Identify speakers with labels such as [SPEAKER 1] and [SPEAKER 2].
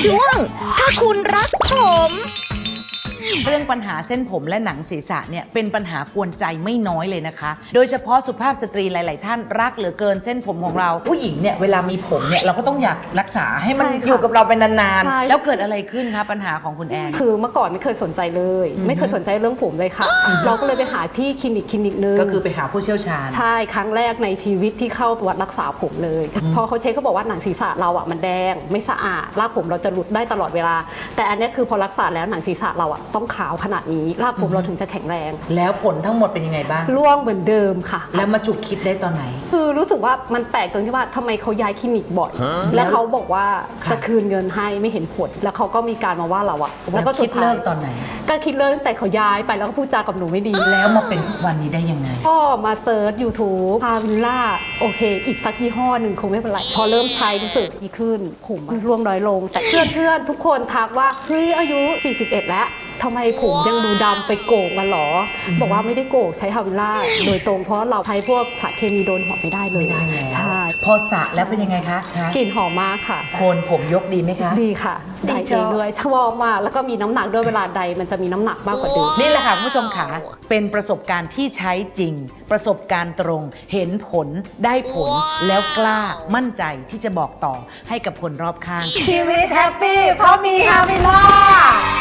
[SPEAKER 1] ช่วงถ้าคุณรักผม
[SPEAKER 2] เรื่องปัญหาเส้นผมและหนังศีรษะเนี่ยเป็นปัญหากวนใจไม่น้อยเลยนะคะโดยเฉพาะสุภาพสตรีหลาย ๆ ท่านรักเหลือเกินเส้นผมของเราผู้หญิงเนี่ยเวลามีผมเนี่ยเราก็ต้องอยากรักษาให้มันอยู่กับเราเป็นนานๆแล้วเกิดอะไรขึ้นคะปัญหาของคุณแอน
[SPEAKER 3] คือเมื่อก่อนไม่เคยสนใจเลยไม่เคยสนใจเรื่องผมเลยค่ะเราก็เลยไปหาที่คลินิกนึง
[SPEAKER 2] ก็คือไปหาผู้เชี่ยวชาญ
[SPEAKER 3] ใช่ครั้งแรกในชีวิตที่เข้าตรวจรักษาผมเลยพอเขาเช็คเขาบอกว่าหนังศีรษะเราอ่ะมันแดงไม่สะอาดรากผมเราจะหลุดได้ตลอดเวลาแต่อันนี้คือพอรักษาแล้วหนังศีรษะเราอ่ะต้องขาวขนาดนี้รากผมเราถึงจะแข็งแรง
[SPEAKER 2] แล้วผลทั้งหมดเป็นยังไงบ้าง
[SPEAKER 3] ร่วงเหมือนเดิมค่ะ
[SPEAKER 2] แล้วมาจุกคิดได้ตอนไหน
[SPEAKER 3] คือรู้สึกว่ามันแปลกตรงที่ว่าทำไมเขาย้ายคลินิกบ่อยแล้วเขาบอกว่าจะคืนเงินให้ไม่เห็นผลแล้วเขาก็มีการมาว่าเราอะ
[SPEAKER 2] แล้วก็คิดเลิกตอนไหน
[SPEAKER 3] ก็คิดเลิกแต่เขาย้ายไปแล้วก็พูดจากับหนูไม่ดี
[SPEAKER 2] แล้วมาเป็นทุกวันนี้ได้ยังไง
[SPEAKER 3] ก็มาเซิร์ช YouTube พาวิลล่าโอเคอีกสักยี่ห้อหนึ่งคงไม่เป็นไรพอเริ่มใช้รู้สึกดีขึ้นผมร่วงน้อยลงแต่เพื่อนทุกคนทักว่าเฮ้ยอายุ41แล้วทำไมผมยังดูดำไปโกกกันหรอบอกว่าไม่ได้โกกใช้ฮาวิลล่าโดยตรงเพราะเราใช้พวกสารเคมีโดนหัวไม่ได้เลย
[SPEAKER 2] ใช่พอสระแล้วเป็นยังไงคะ
[SPEAKER 3] กลิ่นหอมมากค่ะ
[SPEAKER 2] โคนผมยกดีไหมคะ
[SPEAKER 3] ดีค่ะได้เองด้วยชอบมากแล้วก็มีน้ำหนักด้วยเวลาใดมันจะมีน้ำหนักมากกว่าเดิม
[SPEAKER 2] นี่แหละค่ะคุณผู้ชมค่ะเป็นประสบการณ์ที่ใช้จริงประสบการณ์ตรงเห็นผลได้ผลแล้วกล้ามั่นใจที่จะบอกต่อให้กับคนรอบข้าง
[SPEAKER 1] ชีวิตแฮปปี้เพราะมีฮาวิลล่า